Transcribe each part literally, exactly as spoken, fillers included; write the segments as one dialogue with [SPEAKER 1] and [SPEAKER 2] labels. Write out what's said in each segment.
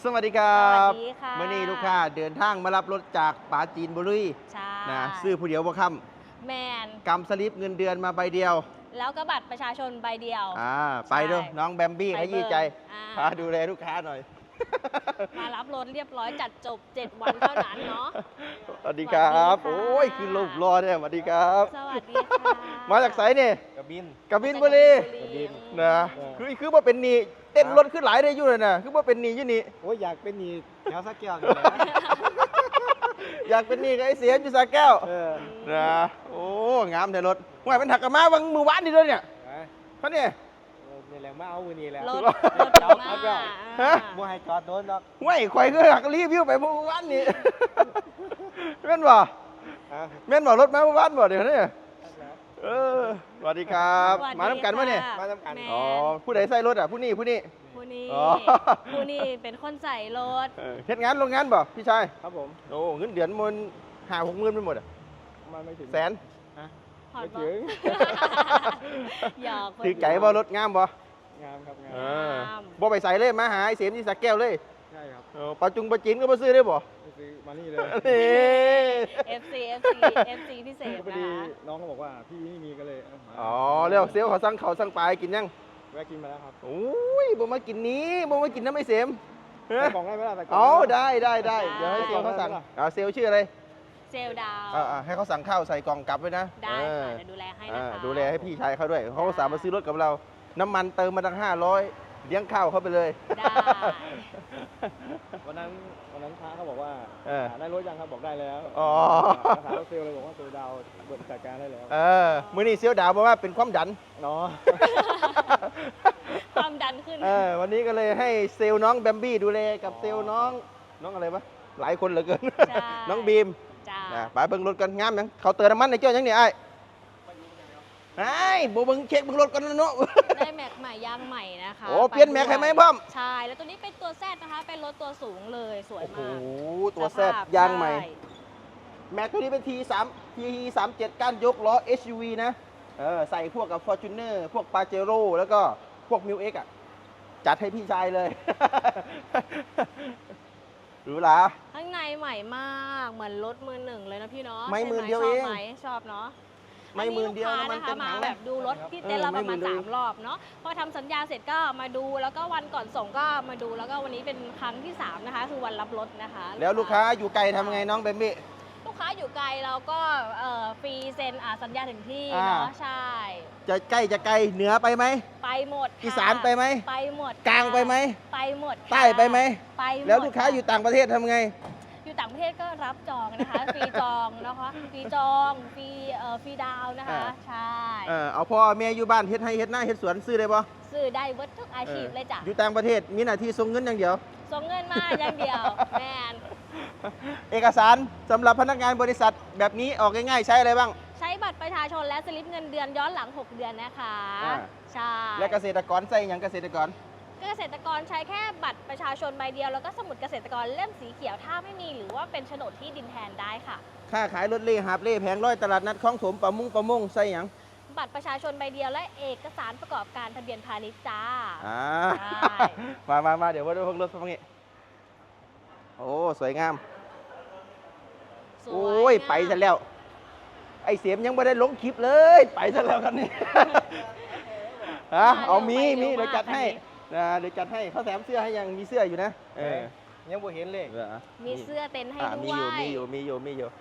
[SPEAKER 1] สวัสดีครับ
[SPEAKER 2] สวัสดีค่ะ
[SPEAKER 1] เมื่อนี้ลูกค้าเดินทางมารับรถจากปราจีนบุรี
[SPEAKER 2] ใช่
[SPEAKER 1] นะซื้อผู้เดียวบ่ค่
[SPEAKER 2] แมน
[SPEAKER 1] ำกำสลิปเงินเดือนมาใบเดียว
[SPEAKER 2] แล้วก็บัตรประชาชนใบเดียว
[SPEAKER 1] อ่าไปเด้อน้องแบมบี้
[SPEAKER 2] ไป
[SPEAKER 1] ขยี้ใจ
[SPEAKER 2] เบิกอ่า
[SPEAKER 1] พาดูแลลูกค้าหน่อย
[SPEAKER 2] มารับรถเรียบร้อยจัดจบ เจ็ด วันเท่านั้นเนาะ
[SPEAKER 1] สวัสดีครับ
[SPEAKER 2] สวัสดีค่ะ
[SPEAKER 1] โอ้ยคือรูปรอเนี่ยสวัสดีครับ
[SPEAKER 2] สวัสดีค่ะ
[SPEAKER 1] มาจากไสเนี่ย
[SPEAKER 3] กระบิน
[SPEAKER 1] กบินบุรี
[SPEAKER 2] กบิน
[SPEAKER 1] นะ
[SPEAKER 3] เออ
[SPEAKER 1] คือคือว่าเป็นหนีเต้นรถขึ้นหลายได้อยู่เลยนะคือว่าเป็นหนีอยู่นี่
[SPEAKER 3] โอ้ยอยากเป็นหนีแถวสักแก้วนี่แหละ
[SPEAKER 1] อยากเป็นหนีกับไอ้เสียมอยู่สาแก้ว
[SPEAKER 3] เออ
[SPEAKER 1] นะโอ้งามแต่รถว่ามันถักกระมาวังมือวานนี่ด้วยเนี่ย
[SPEAKER 3] นะ
[SPEAKER 1] เขาเนี่ย
[SPEAKER 3] เออนี่แหละมาเอามือนี่แหละ
[SPEAKER 2] รถ
[SPEAKER 1] ร
[SPEAKER 2] ร
[SPEAKER 1] ถ
[SPEAKER 2] ถ
[SPEAKER 3] เอา
[SPEAKER 2] มา
[SPEAKER 3] เอาเปล่า
[SPEAKER 1] ฮะ
[SPEAKER 3] บ่ให้จอดโดนดอก
[SPEAKER 1] ห้วยข่อยก็หักรีวิวไปเมื่อวานนี่ แม่นบ่
[SPEAKER 3] ฮะ
[SPEAKER 1] แม่นบ่รถมาเมื่อวานบ่เดี๋ยวนี้เออสวัสดีครับ
[SPEAKER 2] สวัสดี
[SPEAKER 1] มาน้ำกันมาเนี่ย
[SPEAKER 2] ค่ะ
[SPEAKER 3] มาทำกัน
[SPEAKER 2] แม
[SPEAKER 1] อ๋อผู้ใดใส่รถอ่ะผู้นี้ผู้นี้
[SPEAKER 2] ผู้นี้
[SPEAKER 1] อ๋อ
[SPEAKER 2] ผู้นี้เป็นคนใส่รถ
[SPEAKER 1] เออเฮ็ดงานโรงงานบ่พี่ชาย
[SPEAKER 3] ครับผม
[SPEAKER 1] โอ้เงินเดือนมันห้าหกหมื่นไปหมดอ่ะ
[SPEAKER 3] มาไม่ถึง
[SPEAKER 1] แสน
[SPEAKER 2] หอด
[SPEAKER 3] ไม่
[SPEAKER 2] บ่
[SPEAKER 3] ถึง
[SPEAKER 2] หยอกคน
[SPEAKER 1] ถือไก่บ่รถงามบ่
[SPEAKER 3] งามครับงา
[SPEAKER 1] เอ
[SPEAKER 3] ม
[SPEAKER 1] อบ่ไปใส่เลยมาหาไอ้เสียมที่สักแก้วเลย
[SPEAKER 3] ใช่ครับ
[SPEAKER 1] เออปลาจุงปลาจีนก็มาซื้อได้บ่
[SPEAKER 3] ไปซื้อมานี่เลย
[SPEAKER 1] นี่
[SPEAKER 2] เอฟซี เอฟซี เอฟซี พิเศษ
[SPEAKER 3] พอ
[SPEAKER 2] นะ
[SPEAKER 3] ดี
[SPEAKER 2] คะ
[SPEAKER 3] น้องเขาบอกว่าพี่ไม่มีก็เลยเามา
[SPEAKER 1] อ๋อเรียกเซลลเขาสั่งเขาวสั่งปลาให้กินยัง
[SPEAKER 3] แวะกินมาแล้วครับ
[SPEAKER 1] โอ้ยบ่มากินนี้บ่มากินน้ำไม่เสียมเฮ้
[SPEAKER 3] ใส่
[SPEAKER 1] ย
[SPEAKER 3] กล่องได้ไหมล่ะใส่กล่
[SPEAKER 1] อ๋
[SPEAKER 3] อ
[SPEAKER 1] อง
[SPEAKER 3] ได้ไหม
[SPEAKER 1] ได้ได้ได้เดี๋ยวให้เซลลเขาสั่ง
[SPEAKER 3] ได้ไหมล่ะ
[SPEAKER 1] อ่าเซลลชื่ออะไร
[SPEAKER 2] เซลลดาว
[SPEAKER 1] อ่าอ่าให้เขาสั่งข้าวใส่กล่องกลับไว้นะ
[SPEAKER 2] ได้
[SPEAKER 1] เออ
[SPEAKER 2] ค่ะจะดูแลให้นะ
[SPEAKER 1] อ่า
[SPEAKER 2] คะ
[SPEAKER 1] ดูแลให้พี่ชายเขาด้วยเขาสามารถซื้อรถกับเรา น้ำมันเติมมาตั้งห้าร้อยเลี้ยงข้าวเขาไปเลย
[SPEAKER 2] ได้
[SPEAKER 3] วันนั้นวันนั้นพระเขาบอกว่า
[SPEAKER 1] เออ
[SPEAKER 3] หาได้รถยังครับบอกได้แล้ว
[SPEAKER 1] อ๋อ
[SPEAKER 3] มาถามรถเซลล์เลยบอกว่าเซลล์ดาวเปิดจัดการได้แล้ว
[SPEAKER 1] เออมื้อนี้เซลลดาวบอกว่าเป็นความดัน
[SPEAKER 3] เนาะ
[SPEAKER 2] ความดันขึ้น
[SPEAKER 1] เออวันนี้ก็เลยให้เซลล์น้องแบมบี้ดูแลกับเซลล์น้องน้องอะไรวะหลายคนเหลือเกิน
[SPEAKER 2] ใช่
[SPEAKER 1] น้องบีม
[SPEAKER 2] จ้า
[SPEAKER 1] นะไปเบิ่งรถกันงามยังเขาเติมน้ำมันในเจ้ายังเนี่ยไอ้ไอ้โบเบิ่งเช็คเบิ่งรถกันนะเนาะ
[SPEAKER 2] ได้แม็กใหม่ยางใหม่นะคะ
[SPEAKER 1] โอ้เปลี่ยนแม็กให้ไหมพ่อม
[SPEAKER 2] ใช่ แล้วตัวนี้เป็นตัวแซดนะคะ เป็นรถตัวสูงเลยสวย
[SPEAKER 1] โอ้โห
[SPEAKER 2] มาก
[SPEAKER 1] ตัวแซด
[SPEAKER 2] สภพ
[SPEAKER 1] ยางใหม่
[SPEAKER 2] ช่
[SPEAKER 1] แม็กตัวนี้เป็น ที สาม ที สามสิบเจ็ดก้านยกล้อ เอส ยู วี นะเออใส่พวกกับ Fortuner พวก Pajero แล้วก็พวก มิว เอ็กซ์ อ่ะ จัดให้พี่ชายเลย หรูหรา
[SPEAKER 2] ข้างในใหม่มาก เหมือนรถมือหนึ่งเลยนะพี่เนาะ
[SPEAKER 1] ไม่
[SPEAKER 2] ใช่
[SPEAKER 1] หมื่น
[SPEAKER 2] ไห
[SPEAKER 1] เดียว
[SPEAKER 2] ชอบ
[SPEAKER 1] เอง
[SPEAKER 2] ไหมชอบเนาะ
[SPEAKER 1] ไม่หมื่นเดียว
[SPEAKER 2] อั
[SPEAKER 1] น้ำมัน
[SPEAKER 2] ลูก
[SPEAKER 1] เต็
[SPEAKER 2] ค้าม
[SPEAKER 1] ถั
[SPEAKER 2] มาง แบบดูรถที่
[SPEAKER 1] เออ
[SPEAKER 2] เต้นเรา
[SPEAKER 1] ไม่
[SPEAKER 2] ประ
[SPEAKER 1] หมื่
[SPEAKER 2] มาณ
[SPEAKER 1] นเลย
[SPEAKER 2] สามรอบเนาะ พอทำสัญญาเสร็จก็มาดู แล้วก็วันก่อนส่งก็มาดู แล้วก็วันนี้เป็นครั้งที่สามนะคะ คือวันรับรถนะคะ
[SPEAKER 1] แล้วลูกค้าอยู่ไกลทำไงน้องแบมบี้
[SPEAKER 2] ลูกค้าอยู่ไกลเราก็เอ่อฟรีเซ็นอ่าสัญญาถึงที่
[SPEAKER 1] อ่า
[SPEAKER 2] เนาะใช่
[SPEAKER 1] จะใกล้จะไกลเหนือไปไหม
[SPEAKER 2] ไปหมดค่ะ
[SPEAKER 1] อีสานไปไหม
[SPEAKER 2] ไปหมด
[SPEAKER 1] กลางไปไหม
[SPEAKER 2] ไปหมดค่ะ
[SPEAKER 1] ใต้ไปไหม
[SPEAKER 2] ไปหมด
[SPEAKER 1] แล้วลูกค้าอยู่ต่างประเทศทำไง
[SPEAKER 2] อยู่ต่างประเทศก็รับจองนะคะ ฟรีจองนะคะฟรีจองฟรีเอ่อฟรีดาวน์นะคะ
[SPEAKER 1] อ่า
[SPEAKER 2] ใช่
[SPEAKER 1] เออเอาพ่อแม่อยู่บ้านเฮ็ดให้เฮ็ดหน้าเฮ็ดสวนซื้อได้ปะ
[SPEAKER 2] ซื้อได้เวิร์ดทุกอาชีพเลยจ้ะ
[SPEAKER 1] อยู่ต่างประเทศมีหน้าที่ส่งเงินอย่างเดียว
[SPEAKER 2] ส่งเงินมาอย่างเดียว แมน
[SPEAKER 1] เอกสารสำหรับพนักงานบริษัทแบบนี้ออกง่ายๆใช้อะไรบ้าง
[SPEAKER 2] ใช้บัตรประชาชนและสลิปเงินเดือนย้อนหลัง หก เดือนนะคะ
[SPEAKER 1] อ่า
[SPEAKER 2] ใช่
[SPEAKER 1] และเกษตรกรใส่อย่างเกษตรกร
[SPEAKER 2] เกษตรกรใช้แค่บัตรประชาชนใบเดียวแล้วก็สมุดเกษตรกรเล่มสีเขียวถ้าไม่มีหรือว่าเป็นโฉนดที่ดินแทนได้ค่ะ
[SPEAKER 1] ค่าขายรถเล่หาบเล่แผงร้อยตลาดนัดคลองถมประมงประมงใส่อย่าง
[SPEAKER 2] บัตรประชาชนใบเดียวและเอกสารประกอบการทะเบียนพาณิชย์จ้า
[SPEAKER 1] อ่า
[SPEAKER 2] ใช่
[SPEAKER 1] มามามาเดี๋ยวว่าด้วยพวกรถพวกนี้โอ้สวยงาม
[SPEAKER 2] สวย
[SPEAKER 1] โอ้ย
[SPEAKER 2] งาม
[SPEAKER 1] ไปซะแล้ว ไอเสียมยังไม่ได้ลงคลิปเลย ไปซะแล้วกันนี่ ฮะเอามีมีเดี๋ยวจัดให้นะเดี๋ยวจัดให้เขาแถมเสื้อให้ยังมีเสื้ออยู่นะเออ
[SPEAKER 3] ยังบ่เห็นเลย
[SPEAKER 1] เหรอ
[SPEAKER 2] มีเสื้อเต็นท์ให้
[SPEAKER 1] อ่ะ
[SPEAKER 2] ด้
[SPEAKER 1] มี
[SPEAKER 2] ว
[SPEAKER 1] อยู่
[SPEAKER 2] ย
[SPEAKER 1] มีอยู่มีอยู่มีอยู่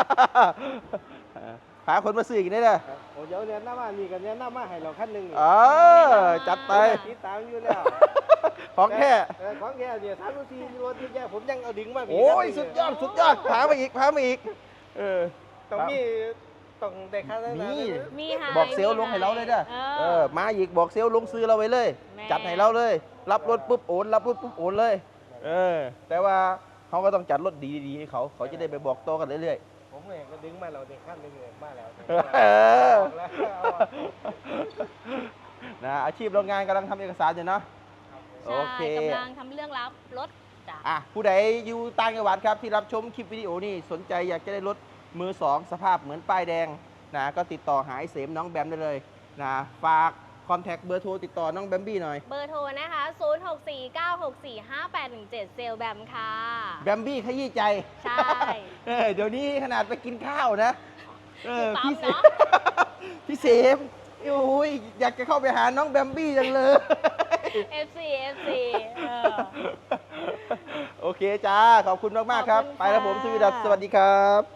[SPEAKER 1] พาคนมาซื้ออีกได้เลย
[SPEAKER 3] ครับโอ้เดี๋ยวเรียนหน้ามามีกันเรียนหน้ามาให้เราขั้นหนึ่งนี่
[SPEAKER 1] เออจัดไป
[SPEAKER 3] ติดตามอยู่แล้ว
[SPEAKER 1] ของแค่
[SPEAKER 3] เออของแค่เนี่ยทำรูทีรถที่แย่ผมยังเอาดึงมา
[SPEAKER 1] โอ้ยสุดยอดสุดยอดพามาอีกพามาอีกเออ
[SPEAKER 3] ต้องมีต้องได้ค่าได้
[SPEAKER 1] มี
[SPEAKER 2] มีให้
[SPEAKER 1] บอกเซลล์ลงให้เราเลยเด้อ
[SPEAKER 2] เอ
[SPEAKER 1] เอ
[SPEAKER 2] อ
[SPEAKER 1] อมาอีกบอกเซลล์ลงซื้อเราไว้เลย
[SPEAKER 2] แม่
[SPEAKER 1] จัดให้เราเลย รับรถปุ๊บโอนรับรถปุ๊บโอนเลย เออ แต่ว่าเขาก็ต้องจัดรถดีๆให้เขาเขาจะได้ไปบอกโตอกันเรื่อย
[SPEAKER 3] ผมเองก็ดึงมาเราเด็กขั้นหนึ่งเลยมาแล้ว
[SPEAKER 1] ๆเออ
[SPEAKER 3] แล้ว
[SPEAKER 1] นะอาชีพโรงงานกำลังทำเอกสารอยู่เนาะ โอเค
[SPEAKER 2] ใช่กำลังทำเรื่องรับรถจ้ะ
[SPEAKER 1] อ่ะผู้ใดอยู่ต่างจังหวัดครับที่รับชมคลิปวิดีโอนี่สนใจอยากจะได้รถมือสองสภาพเหมือนป้ายแดงนะก็ติดต่อหาไอ้เสมน้องแบมได้เลยนะฝากคอนแทคเบอร์โทรติดต่อน้องแบมบี้หน่อย
[SPEAKER 2] เบอร์โทรนะคะ ศูนย์ หก สี่ เก้า หก สี่ ห้า แปด หนึ่ง เจ็ด เซลลแบมค่ะ
[SPEAKER 1] แบมบี้ขยี้ใจ
[SPEAKER 2] ใช่
[SPEAKER 1] เออเดี๋ยวนี้ขนาดไปกินข้าวนะเออ
[SPEAKER 2] อยู่ปั๊ม
[SPEAKER 1] พี่เสม
[SPEAKER 2] เนอะ
[SPEAKER 1] พี่เสมโอ้ยอยากจะเข้าไปหาน้องแบมบี้จังเลย
[SPEAKER 2] เอฟ ซี เอฟ ซี เออ
[SPEAKER 1] โอเคจ้า ขอบคุณมาก ๆ ครับ
[SPEAKER 2] ขอบคุณ
[SPEAKER 1] ไปแล้วผม
[SPEAKER 2] ค่ะ
[SPEAKER 1] สวีดัสสวัสดีครับ